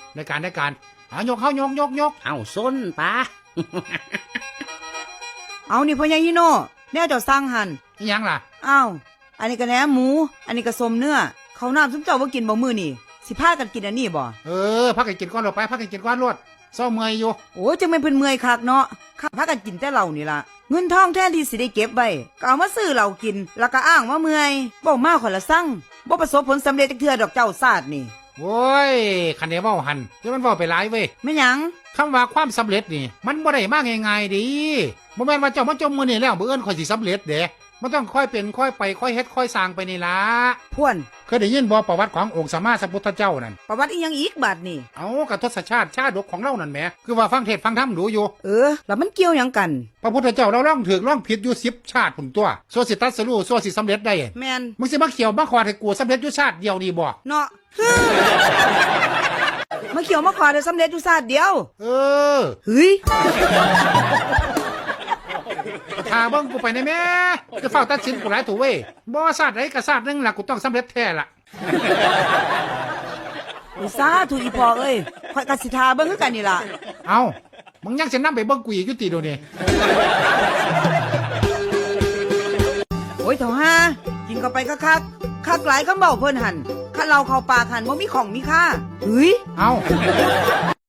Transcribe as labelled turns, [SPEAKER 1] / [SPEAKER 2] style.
[SPEAKER 1] ในการเอายกเข้ายก
[SPEAKER 2] เอาส้นปะ
[SPEAKER 3] เอานี่พ่อใหญ่ฮิโน่แน่เจ้าสร้างหัน
[SPEAKER 1] อีหยังล่ะ
[SPEAKER 3] อ้าวอันนี้ก็แหนมหมู อันนี้ก็สมเนื้อเขาวน้ำซุมเจ้าบ่กินบ่มื้อนี่สิพากันกินอันนี้บ่
[SPEAKER 1] พักกันกินก้อนลงไปพักกันกินก้อนรวดเศร้าเมื่อยอยู่
[SPEAKER 3] โอ้จังแม่นเพิ่นเมื่อยคักเนาะข้าพากันกินแต่เหล้านี่ล่ะเงินทองแทนที่สิได้เก็บไว้ก็เอามาซื้อเหล้ากินแล้วก็อ้างว่าเมื่อยบ่มาขอยละสั่งบ่ประสบผลสำเร็จจักเทื่อดอกเจ้าซาดนี่
[SPEAKER 1] โว้ยคันเดียวเว้าหันเดี๋ยวมันเว้าไปหลายเว้ย
[SPEAKER 3] แม่หยัง
[SPEAKER 1] คำว่าความสำเร็จนี่มันบ่ได้มาง่ายๆดิบ่แม่นว่าเจ้ามาจมมือนี่แล้วมื้ออื่นค่อยสิสำเร็จเด้มันต้องค่อยเป็นค่อยไปค่อยเฮ็ดค่อยสร้างไปนี่ล่ะ
[SPEAKER 3] พวน
[SPEAKER 1] เคยได้ยินบ่ประวัติขององค์สมมาสัมพุทธเจ้านั่น
[SPEAKER 3] ประวัติอีหยังอีกบาดนี่
[SPEAKER 1] เอากับทศชาติชาดกของเรานั่นแหมคือว่าฟังเทศน์ฟังธรรมดูอยู่
[SPEAKER 3] แล้วมันเกี่ยวหยังกัน
[SPEAKER 1] พระพุทธเจ้าเราล่องถูกล่องผิดอยู่10ชาติพุ่นตัวซั่วสิตัดสรู้ซั่วสิสำเร็จได้
[SPEAKER 3] แม่น
[SPEAKER 1] มึงสิมาเขียวมาขอดให้กูสำเร็จอยู่ชาติเดียวนี่บ่
[SPEAKER 3] เนาะ มาเขียวมาขอได้สำเร็จอยู่ซาดเดียว
[SPEAKER 1] เออ
[SPEAKER 3] เฮ้ย
[SPEAKER 1] ถ้าเบิ่งกูไปได้แม่จะเฝ้าตัดสินกูหลายถูเว้ยบ่ชาติใดก็ชาติหนึงล่ะกูต้องสำเร็จแท้ล่ะ
[SPEAKER 3] อุตส่าห์ถูกอีพอเอ้ยข่อยกสิทาเบิ่งคือกันนี่ล่ะ
[SPEAKER 1] เอามึงยังจะนำไปเบิ่งกูอีกอยู่ติเดี๋ยวนี้
[SPEAKER 3] โอ้ยเถ่าห้ากินเข้าไปคักหลายคำเบ้าเพิ่นหันข้าเราเข้าปากหันบ่มีของมีค่าเฮ้ย
[SPEAKER 1] เอา